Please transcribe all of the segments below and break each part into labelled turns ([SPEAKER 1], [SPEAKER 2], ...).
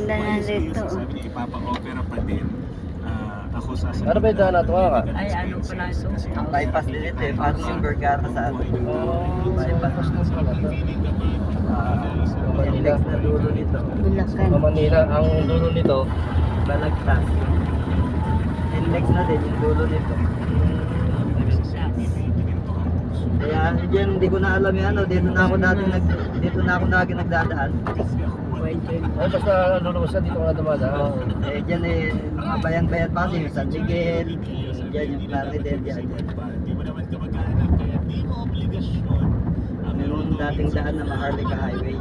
[SPEAKER 1] Ganda na dito.
[SPEAKER 2] Sabi niya ipapa-opera pa din. Ako sasabihin.
[SPEAKER 3] Ano ba yung daan nato nga?
[SPEAKER 4] Ay, ano pala ito?
[SPEAKER 5] Ang bypass din ito eh. Parang yung Vergara sa atin.
[SPEAKER 3] Bypass na pala to.
[SPEAKER 5] Yung next na dulo nito.
[SPEAKER 1] Bulacan.
[SPEAKER 3] Sa Manila, ang dulo nito.
[SPEAKER 5] Balagtas. And next na din yung dulo nito. Kaya dyan, hindi ko na alam yung ano. Dito na ako lagi nagdadaan.
[SPEAKER 3] Ay, basta lulubos na dito ka na dumadaan.
[SPEAKER 5] Eh dyan eh, mga bayan-bayan pa kasi yung San Miguel. Dyan yung Claridel, dyan.
[SPEAKER 2] Di mo naman kamag-anak, kaya di mo obligasyon.
[SPEAKER 5] Yung dating daan na Maharlika Highway.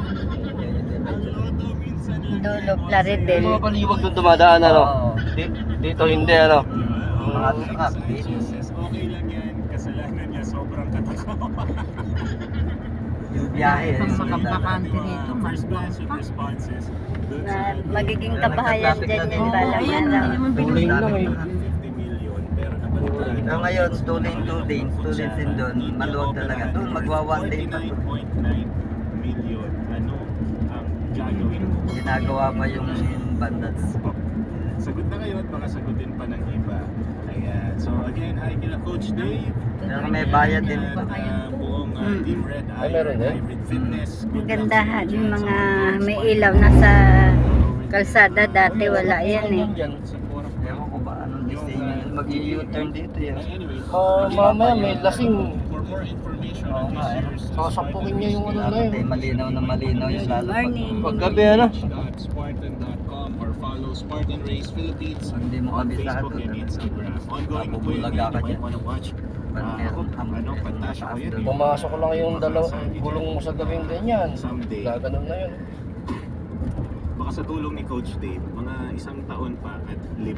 [SPEAKER 1] Dulo, Plaridel.
[SPEAKER 3] Yung mga paliwag doon dumadaan, ano? Dito hindi, ano?
[SPEAKER 5] Mga truck.
[SPEAKER 2] Okay lang yan, kasalanan niya sobrang katakawa.
[SPEAKER 5] Yung biyahe.
[SPEAKER 4] Ang makampakante rito,
[SPEAKER 2] First
[SPEAKER 4] maluwag
[SPEAKER 2] batch of
[SPEAKER 4] pa.
[SPEAKER 2] responses.
[SPEAKER 1] Na magiging kabahayan dyan yan balang
[SPEAKER 4] Ayan,
[SPEAKER 1] araw.
[SPEAKER 4] hindi naman
[SPEAKER 3] Tuloy lang eh.
[SPEAKER 2] 50 million, pero nabalitaan.
[SPEAKER 5] So ngayon, 2 lanes din doon. Maluwag talaga. Doon, magwa 1 lane pa to.
[SPEAKER 2] 49.9 million. Ano ang gagawin mo?
[SPEAKER 5] Ginagawa pa yung bandats.
[SPEAKER 2] Sagot na kayo at baka sagutin pa ng iba. Ayan. So again, hi kila Coach Dave.
[SPEAKER 5] Pero may bayad din pa.
[SPEAKER 2] Buong Team Red
[SPEAKER 3] Ay, meron din?
[SPEAKER 2] Hybrid Fitness.
[SPEAKER 1] Ang gandahan, yung mga may ilaw na sa kalsada dati wala yan eh.
[SPEAKER 5] Ewan ko ba anong disenyo yun. Mag-u-turn dito yan.
[SPEAKER 3] Mamaya may lasing.
[SPEAKER 2] For more information
[SPEAKER 5] Oo
[SPEAKER 2] on
[SPEAKER 5] nga eh.
[SPEAKER 2] this
[SPEAKER 3] Sasapukin niya yung ano na
[SPEAKER 5] Dapat eh,
[SPEAKER 3] yun.
[SPEAKER 5] malinaw na malinaw yung
[SPEAKER 1] Good
[SPEAKER 5] lalo pag
[SPEAKER 1] morning.
[SPEAKER 3] Paggabi, ano?
[SPEAKER 2] Spartan.com or follow Spartan Race Philippines
[SPEAKER 5] Hindi mo
[SPEAKER 2] on
[SPEAKER 5] kabit lahat
[SPEAKER 2] Facebook and
[SPEAKER 5] doon.
[SPEAKER 2] Instagram. Ongoing po yun.
[SPEAKER 5] Mabubulaga ka
[SPEAKER 2] You might
[SPEAKER 5] dyan.
[SPEAKER 2] wanna watch. Ano, fantastic ko yun.
[SPEAKER 3] Pumasok lang yung gulong mo sa gabing ganyan.
[SPEAKER 2] Someday.
[SPEAKER 3] Gaganon na yun.
[SPEAKER 2] Baka sa tulong ni Coach Dave, mga 1 taon pa at 5.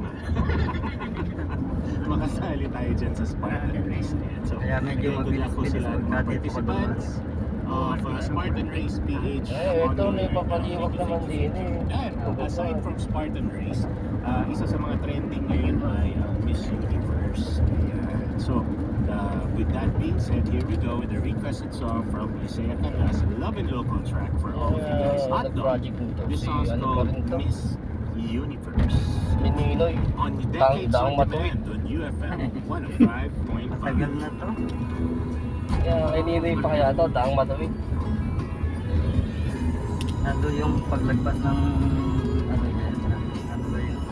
[SPEAKER 2] Makasali tayo dyan sa Spartan Race na yan. So,
[SPEAKER 5] Kaya medyo
[SPEAKER 2] again, good luck po
[SPEAKER 5] mabilis-bilis
[SPEAKER 2] sila
[SPEAKER 5] pagka
[SPEAKER 2] mga
[SPEAKER 5] dito ka
[SPEAKER 2] participants of Spartan Race PH.
[SPEAKER 3] Eh, ito may papaliwag naman din eh.
[SPEAKER 2] And aside from Spartan Race, isa sa mga trending ngayon ay ang Miss Universe. Ayan. So, with that being said, here we go with the requested song from Isaiah Canas, Love and Local Track for all of you guys. Hot dog.
[SPEAKER 3] Nag-project nito.
[SPEAKER 2] This
[SPEAKER 3] Si
[SPEAKER 2] song's
[SPEAKER 3] ano pa
[SPEAKER 2] called
[SPEAKER 3] rin to?
[SPEAKER 2] Miss Universe.
[SPEAKER 3] Mininoy.
[SPEAKER 2] On the Decades
[SPEAKER 3] Daang
[SPEAKER 2] on
[SPEAKER 3] Matuwid.
[SPEAKER 2] Demand on UFM
[SPEAKER 5] matagal
[SPEAKER 2] 105.5.
[SPEAKER 5] na to.
[SPEAKER 3] Kaya kay Ninoy pa kaya to, daang matawid.
[SPEAKER 5] Nando yung paglagpas ng ano yan. Ano ba yun?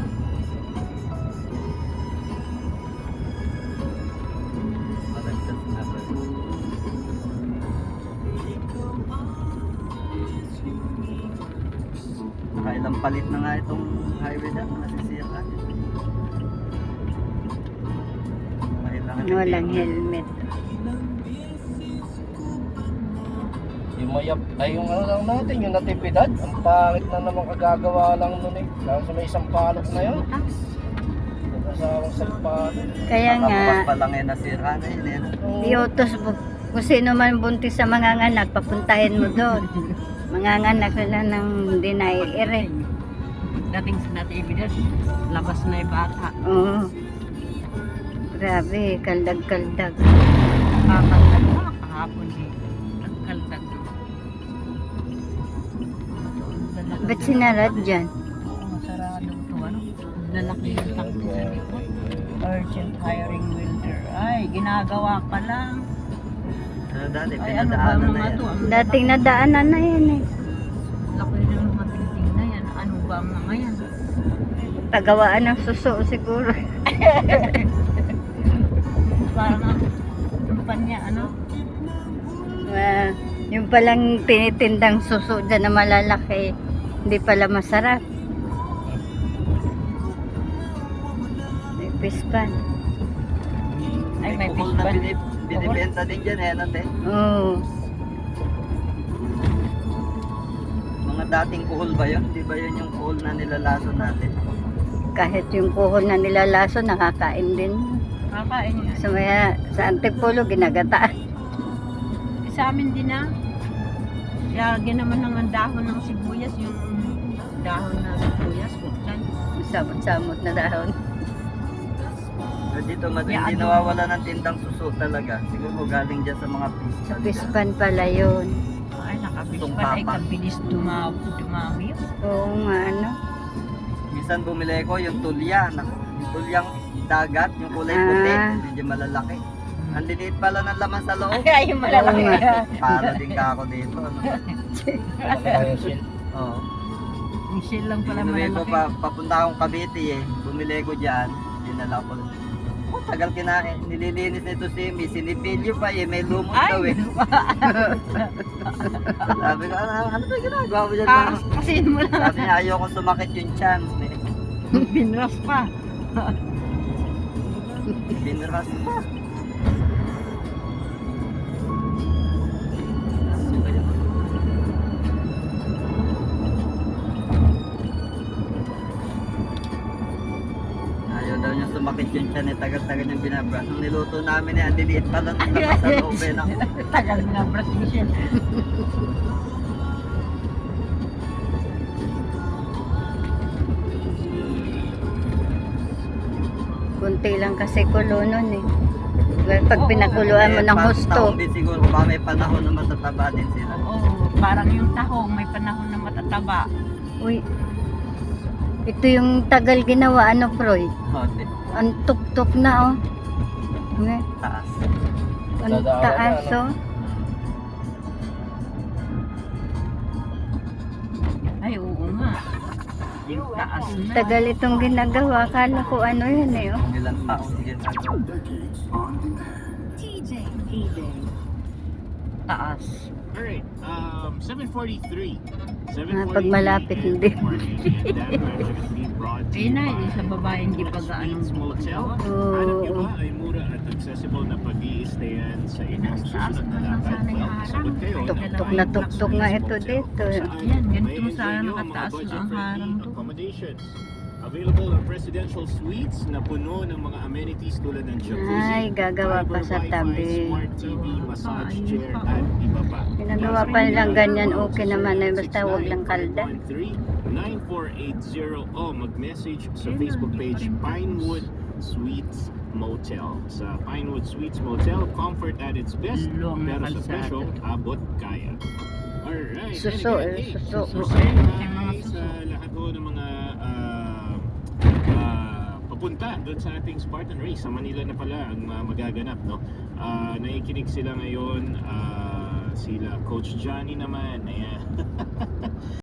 [SPEAKER 5] Malagpas na ba yun? Nakailang palit na nga itong highway na nasisiyakan.
[SPEAKER 1] Walang helmet.
[SPEAKER 3] Yung mayap, ay yung ano lang natin, yung natipidad. Ang pangit na naman kagagawa lang nun eh. Lalo sa may isang palok na yun. Nagkasawang sampalok.
[SPEAKER 1] Kaya nga,
[SPEAKER 5] Nakabukas pa lang eh nasira na yun eh.
[SPEAKER 1] iutos mo kung sino man buntis sa manganganak, papuntahin mo doon. Manganganak sila ng deny-ere.
[SPEAKER 4] Dating sa natividad, labas na yung bata.
[SPEAKER 1] Oo. Grabe, kaldag-kaldag.
[SPEAKER 4] Kakaldag na, kahapon din. Nagkaldag.
[SPEAKER 1] Ba't sinarad dyan?
[SPEAKER 4] Oo, sarado ito. Ano? Lalaki yung takbo sa likod. Urgent hiring welder. Ay, ginagawa pa lang.
[SPEAKER 5] Pero dati
[SPEAKER 4] Ay, ano ba
[SPEAKER 5] pinadaanan na
[SPEAKER 4] mga
[SPEAKER 5] yan.
[SPEAKER 4] to? Ang
[SPEAKER 1] Dating nadaanan na yan eh.
[SPEAKER 4] laki ng mga building na yan. Ano ba ang mga yan?
[SPEAKER 1] Tagawaan ng suso siguro.
[SPEAKER 4] Parang ang kumpanya, ano?
[SPEAKER 1] Yung palang tinitindang suso dyan na malalaki, hindi pala masarap. May pispan.
[SPEAKER 4] Ay, may
[SPEAKER 5] kuhol na
[SPEAKER 4] pispan.
[SPEAKER 5] binibenta din dyan eh. Ano, te?
[SPEAKER 1] Oo.
[SPEAKER 5] Mga dating kuhol ba yun? Di ba yun yung kuhol na nilalaso natin?
[SPEAKER 1] Kahit yung kuhol na nilalaso, nakakain din.
[SPEAKER 4] Kakain yan.
[SPEAKER 1] So, sa Antipolo, ginagataan.
[SPEAKER 4] Sa amin din na. Lagyan naman ng dahon ng sibuyas, yung dahon na sibuyas, buksan.
[SPEAKER 1] Samot-samot na dahon.
[SPEAKER 5] Pero dito
[SPEAKER 4] Yeah,
[SPEAKER 5] hindi
[SPEAKER 4] ano?
[SPEAKER 5] nawawala ng tindang suso talaga. Siguro galing dyan sa mga
[SPEAKER 1] Sa
[SPEAKER 5] pispan.
[SPEAKER 1] pispan pala yun.
[SPEAKER 4] Ay, nakabilis
[SPEAKER 5] Itong
[SPEAKER 4] pa. Ay,
[SPEAKER 5] papa.
[SPEAKER 4] kabilis dumami yun.
[SPEAKER 1] Oo nga, ano.
[SPEAKER 5] minsan bumili ko yung tulya, yung tulyang dagat, yung kulay puti,
[SPEAKER 1] Ah.
[SPEAKER 5] medyo malalaki. Ang liliit pala ng laman sa loob.
[SPEAKER 4] Ay, yung malalaki.
[SPEAKER 5] Para din ka ako dito. Ano?
[SPEAKER 3] Malaki pa yung shield.
[SPEAKER 5] Oo.
[SPEAKER 4] Yung shell lang pala
[SPEAKER 5] Bumili ko
[SPEAKER 4] malalaki.
[SPEAKER 5] papunta akong Cavite eh. Bumili ko dyan. Dinala ko. Oh, tagal kinain. Nililinis nito si Miss. Sinipilyo pa eh. May lumot
[SPEAKER 4] Ay!
[SPEAKER 5] daw eh. Sabi ko, ano ba ginagawa mo dyan?
[SPEAKER 4] Kasi mo lang.
[SPEAKER 5] Sabi niya, ayoko sumakit yung chan.
[SPEAKER 4] Binras pa.
[SPEAKER 5] Binras pa. Ayaw daw niya sumakit yung chan eh. Tagal-tagal niyang binabras. Nung niluto namin eh, ang liliit pa lang ng lakas sa loob eh.
[SPEAKER 4] Tagal binabras yung shell.
[SPEAKER 1] Kunti lang kasi kulo nun eh. Well, pag pinakuluan mo ng husto.
[SPEAKER 5] Taon din siguro, baka may panahon na matataba din sila.
[SPEAKER 4] Oo, parang yung tahong may panahon na matataba.
[SPEAKER 1] Uy, ito yung tagal ginawa, ano, Froy?
[SPEAKER 5] Hote,
[SPEAKER 1] Ang tuktok na, oh. Nga,
[SPEAKER 5] taas.
[SPEAKER 1] ang
[SPEAKER 3] Dadaanan
[SPEAKER 1] taas,
[SPEAKER 3] na,
[SPEAKER 1] oh.
[SPEAKER 4] Ay, oo nga. Yung taas na.
[SPEAKER 1] Tagal itong ginagawa. Akala ko ano yun eh, oh.
[SPEAKER 5] Ilang taon din ako.
[SPEAKER 4] Taas.
[SPEAKER 2] Alright, 7:43.
[SPEAKER 1] Pag malapit, hindi.
[SPEAKER 4] Ayun na, yung sa baba hindi pa gaano
[SPEAKER 2] Motel.
[SPEAKER 1] Oo.
[SPEAKER 2] Hanap nyo ba ay mura at accessible na pag-i-stayan sa inyong
[SPEAKER 4] Taas
[SPEAKER 2] susunod
[SPEAKER 4] na
[SPEAKER 2] na
[SPEAKER 4] lang
[SPEAKER 2] lakad?
[SPEAKER 4] sana yung
[SPEAKER 2] Well, sagot kayo.
[SPEAKER 1] Tuktok na tuktok nga ito dito.
[SPEAKER 4] Yan, ganito sana nakataas na ang harang to.
[SPEAKER 2] Accommodations. Available ang presidential suites na puno ng mga amenities tulad ng jacuzzi,
[SPEAKER 1] Ay, gagawa pa sa
[SPEAKER 2] fiber
[SPEAKER 1] tabi.
[SPEAKER 2] wifi, smart TV, massage
[SPEAKER 4] Ayun
[SPEAKER 2] chair,
[SPEAKER 4] pa.
[SPEAKER 2] at iba pa.
[SPEAKER 1] Pinagawa pa nilang ganyan, okay naman eh. Basta huwag lang kalda.
[SPEAKER 2] 9480 o mag-message sa Facebook page Pinewood Suites Motel. Sa Pinewood Suites Motel, comfort at its best,
[SPEAKER 4] Long na
[SPEAKER 2] pero sa
[SPEAKER 4] kalsada.
[SPEAKER 2] presyo, abot kaya. Alright.
[SPEAKER 1] Suso,
[SPEAKER 2] and
[SPEAKER 1] eh,
[SPEAKER 2] again,
[SPEAKER 1] suso.
[SPEAKER 2] suso.
[SPEAKER 4] May mga suso.
[SPEAKER 2] Sa lahat ho ng mga papunta doon sa ating Spartan Race sa Manila na pala ang magaganap, no? Nakikinig sila ngayon, sila Coach Johnny naman, ayan.